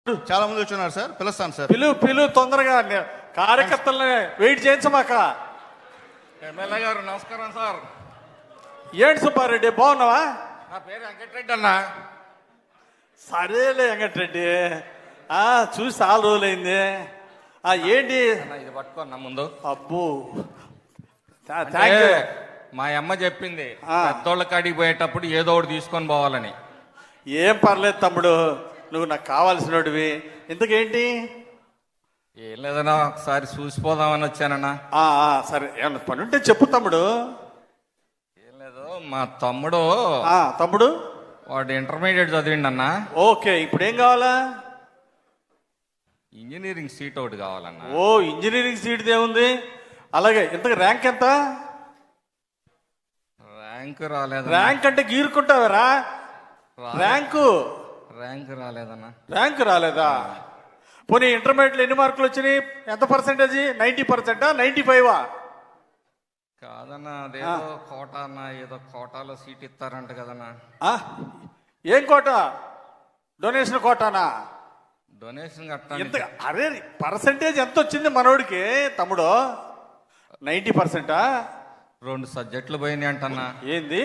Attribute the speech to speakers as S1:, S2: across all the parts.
S1: చాలా మంది వచ్చున్నారు సార్, పిలుస్తాను సార్.
S2: పిలు తొందరగా కార్యకర్తలని వెయిట్ చేయించమాక.
S3: ఎమ్మెల్యే గారు నమస్కారం సార్.
S2: ఏంటి సుబ్బారెడ్డి బాగున్నావా?
S3: నా పేరు వెంకటరెడ్డి అన్న.
S2: సరేలే వెంకటరెడ్డి, చూసి చాలా రోజులైంది. ఏంటి
S3: ఇది పట్టుకోన్నా ముందు.
S2: అబ్బో
S3: అంటే మా అమ్మ చెప్పింది పెద్దోళ్ళ కాడికి పోయేటప్పుడు ఏదో ఒకటి తీసుకొని పోవాలని.
S2: ఏం పర్లేదు తమ్ముడు, నువ్వు నాకు కావాల్సినవి. ఇంతకేంటి?
S3: ఏం లేదన్నా, ఒకసారి చూసిపోదామని వచ్చానన్నా.
S2: సరే, ఏమన్నా పని ఉంటే చెప్పు తమ్ముడు.
S3: ఏం లేదు, మా తమ్ముడు
S2: తమ్ముడు
S3: వాడు ఇంటర్మీడియట్ చదివిండి అన్న.
S2: ఓకే, ఇప్పుడు ఏం కావాలా?
S3: ఇంజనీరింగ్ సీట్ ఒకటి కావాలన్నా.
S2: ఓ, ఇంజనీరింగ్ సీట్ ఏముంది? అలాగే, ఇంతకు ర్యాంక్ ఎంత?
S3: ర్యాంక్ రాలేదు.
S2: ర్యాంక్ అంటే గీరుకుంటావరా? ర్యాంకు
S3: రాలేదన్నా.
S2: ర్యాంక్ రాలేదా? పోనీ ఇంటర్మీడియట్లో ఎన్ని మార్కులు వచ్చినాయి? ఎంత పర్సెంటేజ్? 90%, 95?
S3: కాదన్నా, అదేదో కోటా అన్న, ఏదో కోటాలో సీట్ ఇస్తారంట కదన్నా.
S2: ఏం కోట? డొనేషన్ కోటానా?
S3: డొనేషన్ కట్టా.
S2: అరే, పర్సెంటేజ్ ఎంత వచ్చింది మనోడికి తమ్ముడు? 90%?
S3: 2 సబ్జెక్టులు పోయినాయి అంటన్నా.
S2: ఏంది?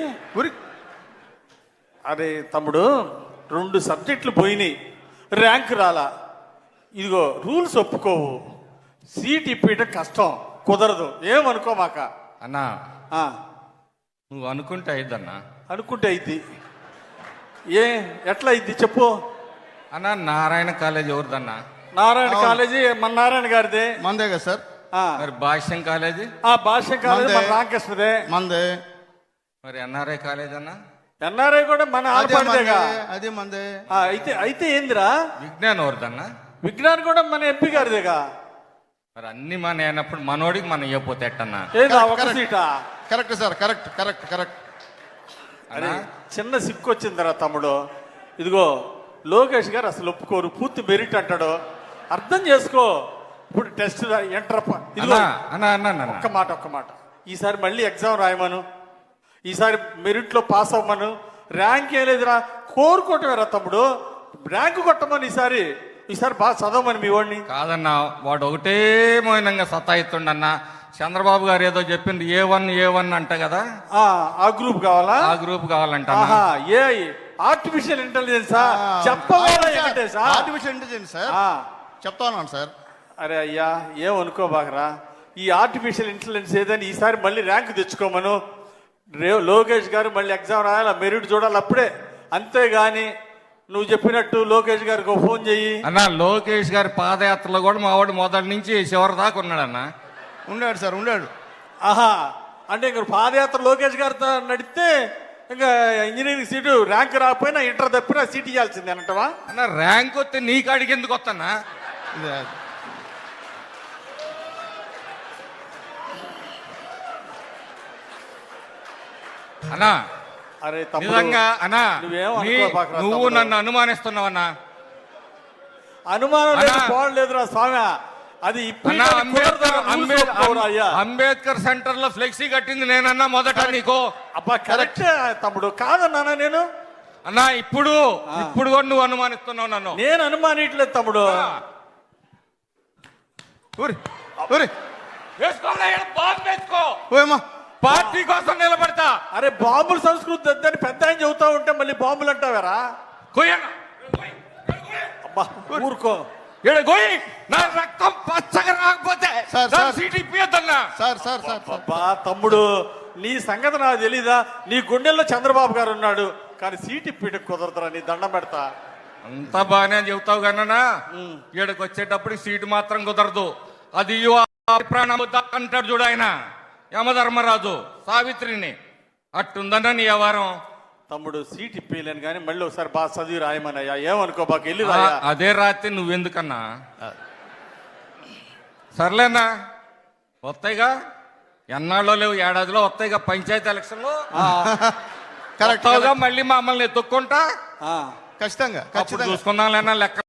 S2: అరే తమ్ముడు, 2 సబ్జెక్టులు పోయినాయి, ర్యాంక్ రాలా. ఇదిగో రూల్స్ ఒప్పుకోవు, సీట్ ఇప్పించడం కష్టం, కుదరదు. ఏమనుకోమాక
S3: అన్నా. నువ్వు అనుకుంటే అయిద్దన్నా.
S2: అనుకుంటే అయింది. ఎట్లా అయింది చెప్పు
S3: అన్నా. నారాయణ కాలేజ్ ఎవరిదన్నా?
S2: నారాయణ కాలేజీ మన నారాయణ గారిదే.
S1: మందే కదా సార్.
S3: మరి భాష్యం కాలేజీ?
S2: భాష్యం కాలేజీ మన రామకృష్ణదే.
S1: మందే.
S3: మరి ఎన్ఆర్ఐ కాలేజ్ అన్నా?
S2: ఎన్ఆర్ఐ కూడా మన ఆడపడిదేగా.
S1: అదే మందే.
S2: అయితే ఏందిరా?
S3: విజ్ఞాన్ ఎవరిదన్నా?
S2: విజ్ఞాన్ కూడా మన ఎంపీ గారిదేగా.
S3: మరి అన్ని మన అయినప్పుడు మనోడికి మనం ఇవ్వపోతే ఎట్టన్నా?
S2: ఒక సీటా?
S1: Correct sir, correct correct correct.
S2: అరే, చిన్న సిక్కు వచ్చిందిరా తమ్ముడు. ఇదిగో లోకేష్ గారు అసలు ఒప్పుకోరు, పూర్తి మెరిట్ అంటాడు. అర్థం చేసుకో. ఇప్పుడు టెస్ట్ ఎంటర్. ఇదిగో ఒక్క మాట, ఈసారి మళ్ళీ ఎగ్జామ్ రాయమను, ఈసారి మెరిట్లో పాస్ అవ్వమను. ర్యాంక్ ఏం లేదురా, కోరుకోవటమేరా తమ్ముడు. ర్యాంకు కొట్టమని ఈసారి బాగా చదవమని మీ వాడిని.
S3: కాదన్నా, వాడు ఒకటే మౌనంగా సతాయిస్తుండన్నా. చంద్రబాబు గారు ఏదో చెప్పింది A1 అంట కదా.
S2: ఆ గ్రూప్ కావాలా?
S3: ఆ గ్రూప్ కావాలంట.
S2: ఆర్టిఫిషియల్ ఇంటెలిజెన్సా? చెప్పవాలి.
S1: ఆర్టిఫిషియల్ ఇంటెలిజెన్స్ సార్, చెప్తా ఉన్నాను సార్.
S2: అరే అయ్యా, ఏమనుకోబాకరా. ఈ ఆర్టిఫిషియల్ ఇంటెలిజెన్స్ ఏదని ఈసారి మళ్ళీ ర్యాంక్ తెచ్చుకోమను. లోకేష్ గారు మళ్ళీ ఎగ్జామ్ రాయాలి, మెరిట్ చూడాలి అప్పుడే. అంతేగాని నువ్వు చెప్పినట్టు లోకేష్ గారికి ఫోన్ చెయ్యి
S3: అన్న. లోకేష్ గారి పాదయాత్రలో కూడా మా వాడు మొదటి నుంచి చివరి దాకా ఉన్నాడన్నా.
S1: ఉన్నాడు సార్, ఉన్నాడు.
S2: అంటే ఇంక పాదయాత్ర లోకేష్ గారితో నడిస్తే ఇంకా ఇంజనీరింగ్ సీటు ర్యాంక్ రాకపోయినా ఇంటర్ తప్పినా సీట్ ఇవ్వాల్సిందే అంటవా?
S3: అన్న, ర్యాంక్ వస్తే నీ కాడికి ఎందుకు వస్తానా? అన్నా,
S2: అరే
S3: నిజంగా అన్నా, నువ్వు నన్ను అనుమానిస్తున్నావన్నా.
S2: అనుమానం లేదురా స్వామి. అది
S3: అంబేద్కర్ సెంటర్ లో ఫ్లెక్సీ కట్టింది నేనన్నా మొదట నీకు.
S2: అబ్బా కరెక్ట్ తమ్ముడు, కాదన్నా నేను.
S3: అన్నా, ఇప్పుడు కూడా నువ్వు అనుమానిస్తున్నావు నన్ను.
S2: నేను అనుమానిట్లేదు తమ్ముడు.
S3: పార్టీ కోసం నిలబడతా.
S2: అరే, బాంబుల సంస్కృతి వద్దని పెద్ద ఆయన చెబుతా ఉంటే మళ్ళీ బాంబులు అంటావారా? ఊరుకో.
S3: నా రక్తం పచ్చగా రాకపోతే సీట్ ఇప్పియద్దన్నా.
S2: తమ్ముడు, నీ సంగతి నాకు తెలీదా? నీ గుండెల్లో చంద్రబాబు గారు ఉన్నాడు, కానీ సీట్ ఇప్పిట కుదరదురా. నీ దండం పెడతా.
S3: అంతా బాగానే చెబుతావు కన్నా, ఈడకి వచ్చేటప్పుడు సీటు మాత్రం కుదరదు. అది ప్రాణం అంటాడు చూడు ఆయన, యమధర్మరాజు సావిత్రిని. అట్టుందన్నా నీ వ్యవహారం.
S2: తమ్ముడు, సీట్ ఇప్పలేను కానీ మళ్ళీ ఒకసారి బాగా చదివి రాయమనయ్యా. ఏమనుకో, బాగా వెళ్ళి రాయా.
S3: అదే రాత్రి నువ్వెందుకన్నా? సర్లేనా, వస్తాయిగా. ఎన్నాళ్ళో లేవు, ఏడాదిలో వస్తాయిగా పంచాయతీ ఎలక్షన్లో.
S1: కరెక్ట్గా
S3: మళ్ళీ మమ్మల్ని ఎత్తుక్కుంటా.
S1: ఖచ్చితంగా
S3: చూసుకుందాం లేనా లెక్క.